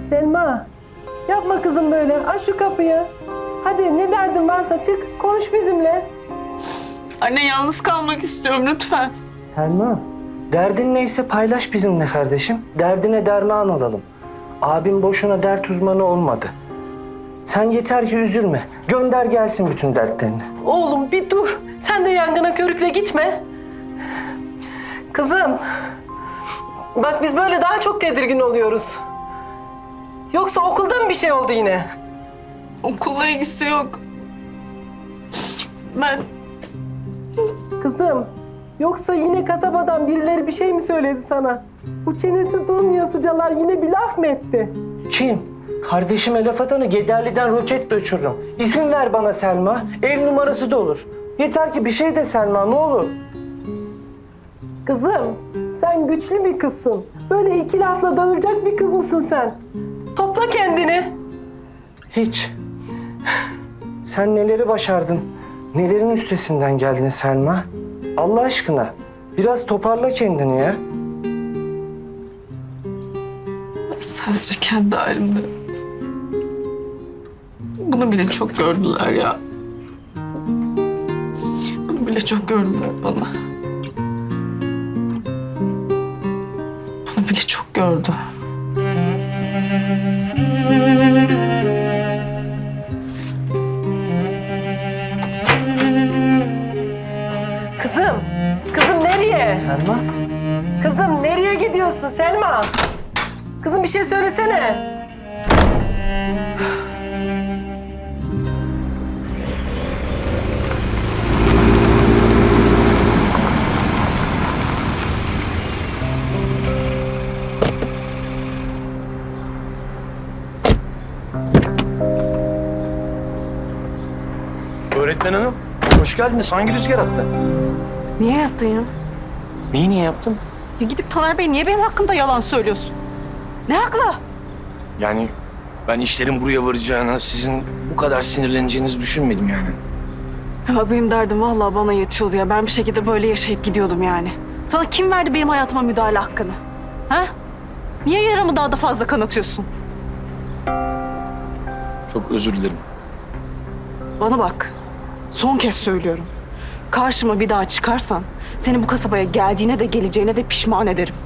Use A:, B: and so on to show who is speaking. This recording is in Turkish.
A: Selma, yapma kızım böyle. Aç şu kapıyı. Hadi ne derdin varsa çık, konuş bizimle.
B: Anne yalnız kalmak istiyorum lütfen.
C: Selma, derdin neyse paylaş bizimle kardeşim. Derdine derman olalım. Abim boşuna dert uzmanı olmadı. Sen yeter ki üzülme. Gönder gelsin bütün dertlerini.
A: Oğlum bir dur. Sen de yangına körükle gitme. Kızım, bak biz böyle daha çok tedirgin oluyoruz. Yoksa okulda mı bir şey oldu yine?
B: Okulla ilgisi yok. Ben
A: Kızım, yoksa yine kasabadan birileri bir şey mi söyledi sana? Bu çenesi durmayasıcalar yine bir laf mı etti?
C: Kim? Kardeşime laf atanı Gederli'den roket de uçururum. İzin ver bana Selma. Ev numarası da olur. Yeter ki bir şey de Selma, ne olur.
A: Kızım, sen güçlü bir kızsın. Böyle iki lafla dağılacak bir kız mısın sen? Topla kendini.
C: Hiç. Sen neleri başardın? Nelerin üstesinden geldin Selma? Allah aşkına biraz toparla kendini ya.
B: sadece kendi halimde. Bunu bile çok gördüler ya. Bunu bile çok gördüler bana. Bunu bile çok gördü.
A: Kızım, kızım nereye?
C: Selma?
A: Kızım nereye gidiyorsun Selma? Kızım bir şey söylesene.
D: Öğretmen hanım, hoş geldiniz. Hangi rüzgar attı?
E: Niye yaptın ya?
D: Neyi niye yaptım?
E: Ya gidip Taner Bey niye benim hakkımda yalan söylüyorsun? Ne hakla?
D: Yani ben işlerin buraya varacağını, sizin bu kadar sinirleneceğinizi düşünmedim yani.
E: Ya bak benim derdim vallahi bana yetiyordu ya. Ben bir şekilde böyle yaşayıp gidiyordum yani. Sana kim verdi benim hayatıma müdahale hakkını? Ha? Niye yaramı daha da fazla kanatıyorsun?
D: Çok özür dilerim.
E: Bana bak. Son kez söylüyorum. Karşıma bir daha çıkarsan seni bu kasabaya geldiğine de geleceğine de pişman ederim.